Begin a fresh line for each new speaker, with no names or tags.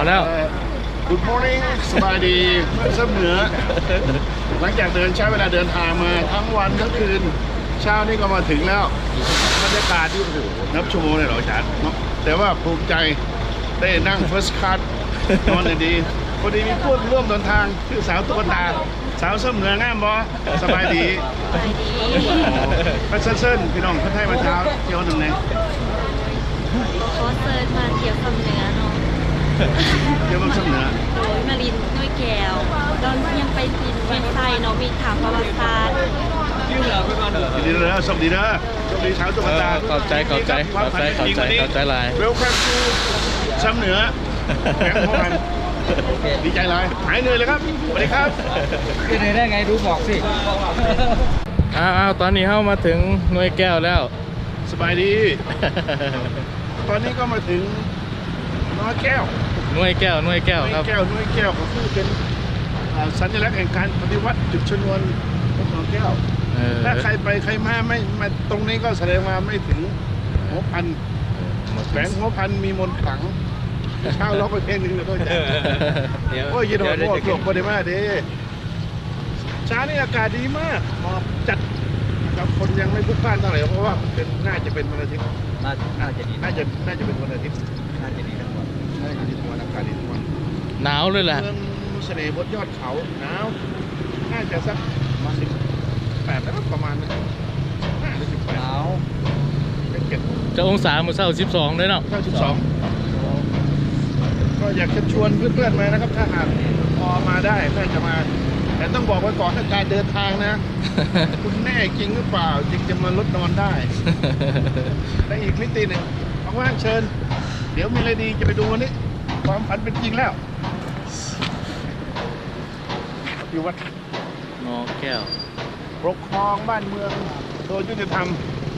แล้ว
Good morning สบายดีเพื่อนเสมอหลังจากใช้เวลาเดินทางมาทั้งวันทั้งคืนเช้านี้ก็มาถึงแล้วบรรยากาศที่โอ้โหนับชั่วโมงเลยเหรออาจารย์แต่ว่าภูมิใจได้นั่ง first class นอนดีพอดีมีเพื่อนร่วมเดินทางคือสาวตุ๊กตาสาวเสมองามบอสบายดีพัชเซินพี่น้องคนไทยมาเช้าเที่ยวหนึ่งเลย
ขอเซิร์ชมาเที่ยวคำเหนือเนาะ
เที่ยวเสมอ
โดยมาลินด้วยแก้วตอนยังไปปินเวียงไซเนาะมีถามประวัติศาสตร์
ดีเด้อสวัสดีเด้อสวัสดีสาวตุ๊กตา
เข้าใจลาย
Welcome to ซ้ำเหนือแหลมพ่อพันดีใจเลยหายเหนื่อยเลยครับสวัสดีครับ
เป็นไงได้ไงดูบอกสิ
อ้าวตอนนี้เข้ามาถึงหน่วยแก้วแล้ว
สบายดี ตอนนี้ก็มาถึงน้อยแก้ว
หน่วยแก้วครับ
น้อยแก้วก็คือเป็นสัญลักษณ์แห่งการปฏิวัติจุดชนวนของน้อยแก้ว ถ้าใครไปใครมาไม่มาตรงนี้ก็แสดงว่าไม่ถึงหัวพันแฝงหัวพันมีมนต์ขลังเช่าร้องไปเพลงหนึ่งเลยก็จะโอ้ยยินดีโอ้โหโปรดีมากดีเช้านี้อากาศดีมากหมอกจัดนะครับคนยังไม่พลุกพล่านเท่าไหร่เพราะว่าน่าจะเป็นวันอาทิตย์
น่าจะดี
น่าจะเป็นวันอาทิตย์
น่าจะดีทั้งหมด
น่าจะดีทุกวันอากาศดีทุกวัน
หนาวเลยแหละ
เมืองเสน่ห์บนยอดเขาหนาวน่าจะสัก18แล้วประมาณนั้น5หรือ
หนาว
18เป็นเก็บ
จะองศามือเศร้า12เลยเนาะ
92ก็อยากจะชวนเพื่อนๆมานะครับ ถ้าหากพอมาได้ก็จะมา แต่ต้องบอกไว้ก่อนถ้าการเดินทางนะ คุณแน่จริงหรือเปล่าจึงจะมาลดนอนได้ และอีกมิติหนึ่งว่างๆเชิญ เดี๋ยวมีอะไรดีจะไปดูวันนี้ ความฝันเป็นจริงแล้ว อยู่วัด
หน่อแก้ว
ปกครองบ้านเมืองโดยยุติธรรม